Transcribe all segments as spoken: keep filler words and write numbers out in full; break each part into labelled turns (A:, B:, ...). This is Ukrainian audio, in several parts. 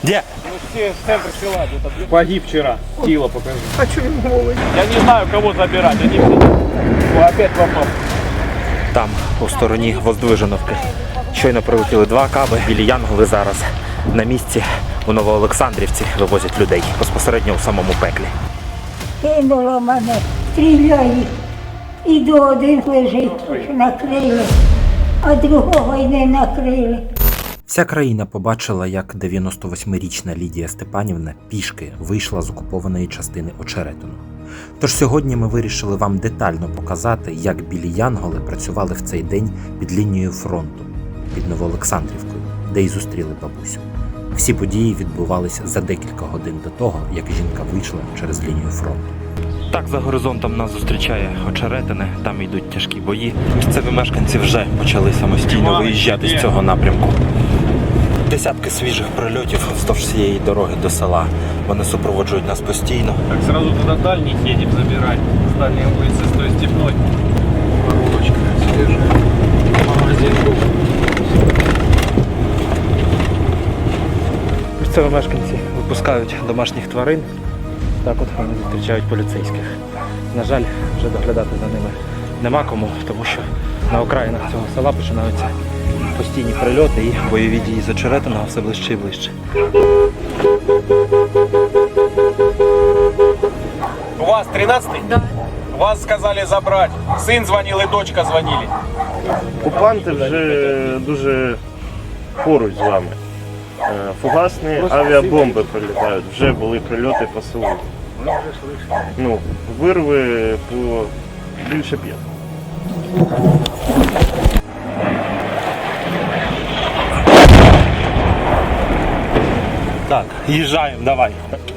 A: Где?
B: Ну все в центр села где-то. Погиб вчера. Тело покажи.
C: А что ему голый?
B: Я не знаю, кого забирать. Они все... О, опять попал.
A: Там, у стороні Воздвиженовки. Щойно прилетіли два каби. Білі Янголи зараз на місці у Новоолександрівці вивозять людей безпосередньо у самому пеклі.
D: Кинуло мене, стріляє. І до один лежить, накрили, а другого й не накрили.
A: Вся країна побачила, як дев'яносто восьмирічна Лідія Степанівна пішки вийшла з окупованої частини Очеретину. Тож сьогодні ми вирішили вам детально показати, як білі янголи працювали в цей день під лінією фронту, під Новоолександрівкою, де й зустріли бабусю. Всі події відбувалися за декілька годин до того, як жінка вийшла через лінію фронту. Так, за горизонтом нас зустрічає Очеретине, там йдуть тяжкі бої. Місцеві мешканці вже почали самостійно виїжджати з цього напрямку. Десятки свіжих прильотів вздовж цієї дороги до села. Вони супроводжують нас постійно.
B: Так, сразу туда дальних едем забирать. С дальней улицы, с той степной. Коробочка свежая. Магазин был. Місцеві мешканці випускають домашніх тварин. Так от вони зустрічають поліцейських. На жаль, вже доглядати за ними нема кому, тому що на окраїнах цього села починаються постійні прильоти і бойові дії з Очеретиного все ближче і ближче.
E: У вас тринадцатый?
C: Да.
E: Вас сказали забрать. Сын звонил и дочка звонили.
F: Окупанти вже дуже поруч з вами. Е, Фугасні авіабомби прилітають, вже були прильоти по селу. Ну, вирви по більше п'ять.
A: Так, їжджаємо, давай.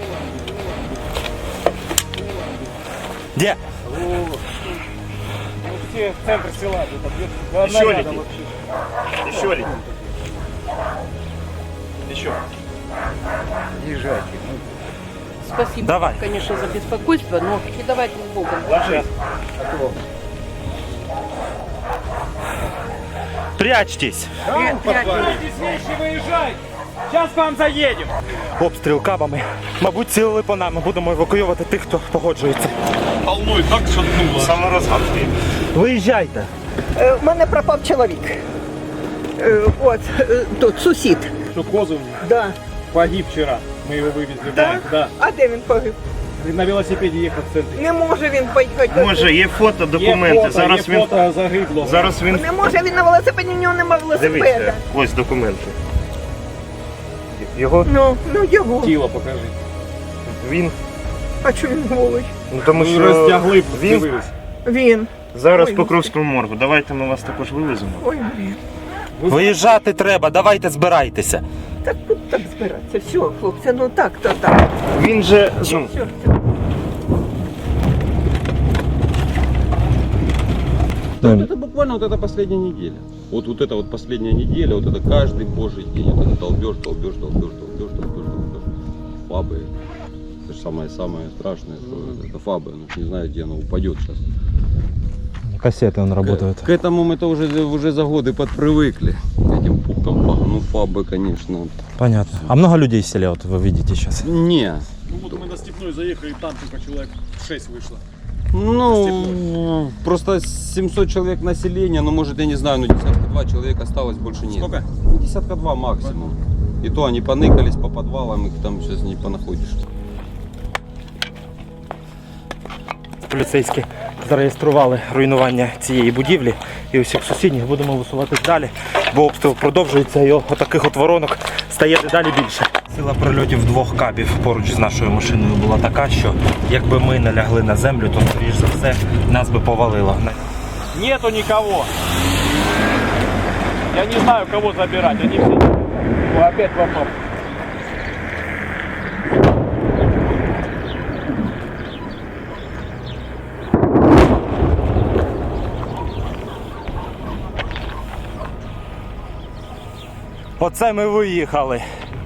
A: Де?
B: Все в центр села где-то.
F: Еще летит. Еще летит. Еще.
B: Езжайте.
C: Спасибо,
A: Давай.
C: конечно, за беспокойство, но не давайте с Богом.
F: Ложись.
A: Прячьтесь!
B: Подбирайтесь вещи, выезжай. Сейчас к вам заедем.
A: Обстріл кабами. Мабуть, цілили по нам. Ми будемо евакуювати тих, хто погоджується.
E: Волной так шатнуло.
F: Саморозгадки.
A: Виїжджайте!
C: Е, У мене пропав чоловік. Е, От, е, тут сусід.
B: Что Козов
C: Да.
B: погиб вчера. Мы его вывезли.
C: Да?
B: Да.
C: А де він погиб?
B: На велосипеде ехал в центре.
C: Не може він поїхати.
F: Може, є фото,
B: Є
F: документи.
B: фото,
F: Зараз
B: є
F: він
B: фото загибло.
F: зараз він
C: Не може він на велосипеді, у нього немає велосипеда.
F: дивіться. Ось документи. Його
C: Ну, ну його.
B: Тіло покажи.
F: він.
C: А чого він голий?
F: Ну тому
B: Ну,
F: що
B: роздягли,
F: він
B: дивились.
C: Він.
F: зараз
C: Ой,
F: по Покровському моргу. Давайте ми вас також вивеземо.
C: Ой, блін.
A: Виїжджати треба, давайте збирайтеся.
C: Так тут так збиратися. Все, хлопці, ну так, то так.
F: Він же, ну,
C: Все, все.
G: Вот это буквально вот эта последняя неделя. Вот, вот это вот последняя неделя, вот это каждый божий день. Вот это долбеж, долбеж, долбеж, долбеж, долбеж, долбеж. Фабы. Это же самое-самое страшное, что это фабы. Ну, не знаю, где она упадет сейчас.
H: Кассеты он работает.
G: К, к этому мы-то уже, уже за годы подпривыкли. К этим пукам. Ну, фабы, конечно.
H: Понятно. А много людей в селе, вот вы видите сейчас?
G: Не.
B: Ну вот мы на Степной заехали, и там типа человек шесть вышло.
G: Ну, просто семьсот человек населения, ну, может, я не знаю, ну, десятка два человек осталось, больше нет.
B: Сколько?
G: Десятка два максимум. И то они поныкались по подвалам, их там сейчас не понаходишь.
A: Поліцейські зареєстрували руйнування цієї будівлі і усіх сусідніх. Будемо висуватись далі, бо обстріл продовжується і отаких от воронок стає дедалі більше. Сила прильотів двох кабів поруч з нашою машиною була така, що якби ми не лягли на землю, то, скоріш за все, нас би повалило.
B: Нету никого. Я не знаю, кого забирать. Они все... О, опять попал.
A: Оце ми виїхали.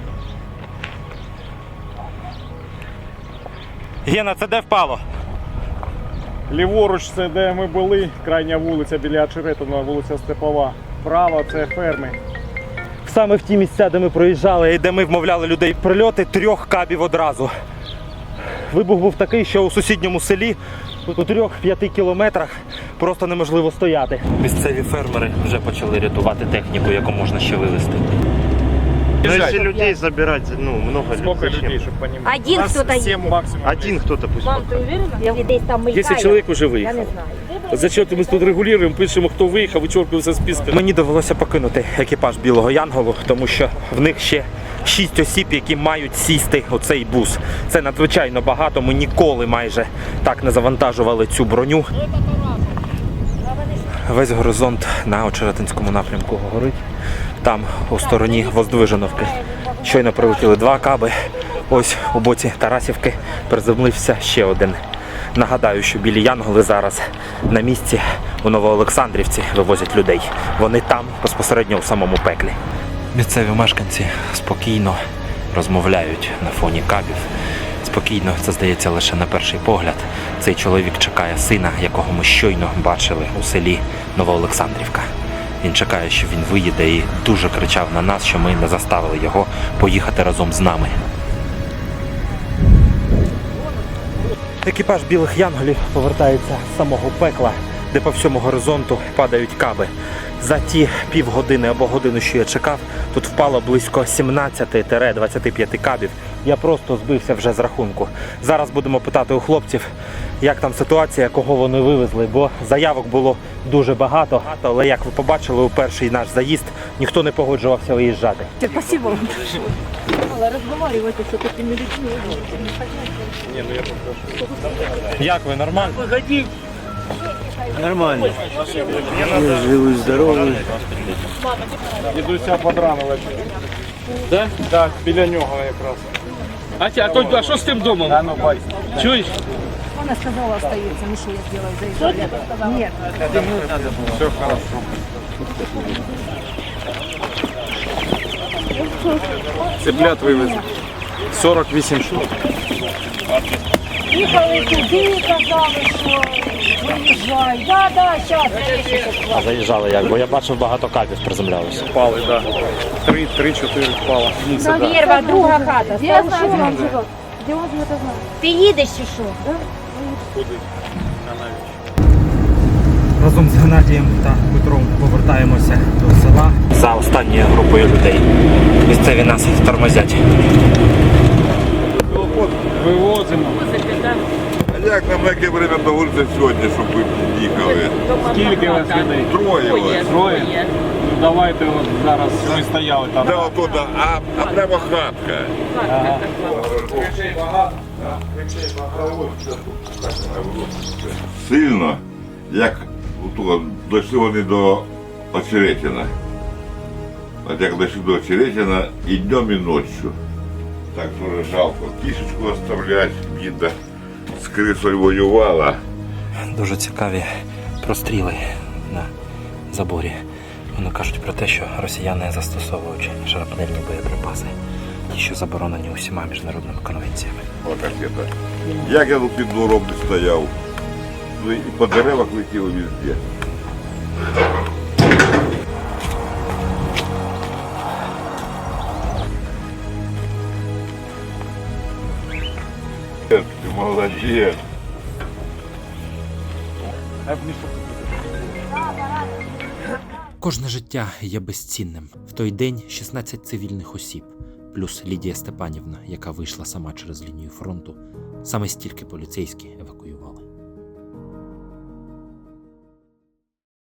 A: Гена, це де впало?
B: Ліворуч це де ми були, крайня вулиця біля Очеретиного, вулиця Степова. Право це ферми. саме в ті місця, де ми проїжджали і де ми вмовляли людей прильоти трьох кабів одразу. Вибух був такий, що у сусідньому селі у трьох-п'яти кілометрах просто неможливо стояти. Місцеві фермери вже почали рятувати техніку, яку можна ще вивезти.
F: Ну, если людей забирать, ну, много
E: Сколько
F: зачем?
E: людей, чтобы понимать?
I: Один
E: У нас
I: кто-то
E: семь
I: едет.
E: максимум.
F: Один кто-то пусть.
I: Мам, ты уверена? Десь там мелькає.
J: Десять человек уже
I: Я
J: выехало.
I: не знаю.
J: Зачем мы тут регулируем, пишемо, хто виїхав, вичеркуємо зі списка.
B: Мені довелося покинути екіпаж Білого Янголу, тому що в них ще шість осіб, які мають сісти у цей бус. Це надзвичайно багато, ми ніколи майже так не завантажували цю броню. Весь горизонт на Очеретинському напрямку горить. Там у стороні Воздвиженовки щойно прилетіли два каби. Ось у боці Тарасівки приземлився ще один. Нагадаю, що білі янголи зараз на місці у Новоолександрівці вивозять людей. Вони там, безпосередньо у самому пеклі. Місцеві мешканці спокійно розмовляють на фоні кабів. Спокійно, це здається лише на перший погляд. Цей чоловік чекає сина, якого ми щойно бачили у селі Новоолександрівка. Він чекає, що він виїде, і дуже кричав на нас, що ми не заставили його поїхати разом з нами. Екіпаж білих янголів повертається з самого пекла, де по всьому горизонту падають каби. За ті півгодини або годину, що я чекав, тут впало близько сімнадцять-двадцять п'ять кабів. Я просто збився вже з рахунку. Зараз будемо питати у хлопців, як там ситуація, кого вони вивезли, бо заявок було дуже багато. Але, як ви побачили, у перший наш заїзд ніхто не погоджувався виїжджати.
I: Спасибо вам. Але розмовляти з такими людьми.
B: Як ви, нормально?
F: Нормально. Я живу здоровый.
E: Дідуся подранили.
J: Да?
E: Так, біля нього якраз.
J: А, ті- а, то, а що з тим домом?
E: А ну бай.
J: Чуєш?
I: Вона сказала, остається. Ну що я зроблю? Заїжджаю. Ні.
E: Все хорошо. Цыплят вивезли. сорок вісім штук.
D: Їхали туди, казали, що виїжджай. Да, да, щас.
B: А заїжджали як? Бо я бачив, багато кабів приземлялося.
E: Впали, так. Да. Три, три-чотири впало.
I: Перша, друга хата.
D: Я знаю, де він живе. Де він живе, знаю.
I: Ти їдеш чи що?
B: Разом з Геннадієм та Петром повертаємося до села за останньою групою людей. Місцеві нас тормозять.
E: Вивозимо.
K: А як нам яке время до вулиці сьогодні, щоб ви їхали?
E: Скільки вас людей?
K: Троє вас.
E: Троє. Ну давайте от зараз ми стояли там.
K: Де отуда, а, а прямо хатка.
E: Ага.
K: Сильно, як ото, дійшли вони до Очеретина. От як дійшли до Очеретина і днем, і ночью. Так дуже жалко. Кішечку оставлять, бідна. З крисою воювала.
B: Дуже цікаві простріли на заборі. Вони кажуть про те, що росіяни застосовують шрапнельні боєприпаси, ті, що заборонені усіма міжнародними конвенціями.
K: Отак это. Як я тут під двором не стояв. Ну і по деревах летіло везде. Ти молодець.
A: Кожне життя є безцінним. В той день шістнадцять цивільних осіб, плюс Лідія Степанівна, яка вийшла сама через лінію фронту, саме стільки поліцейські евакуювали.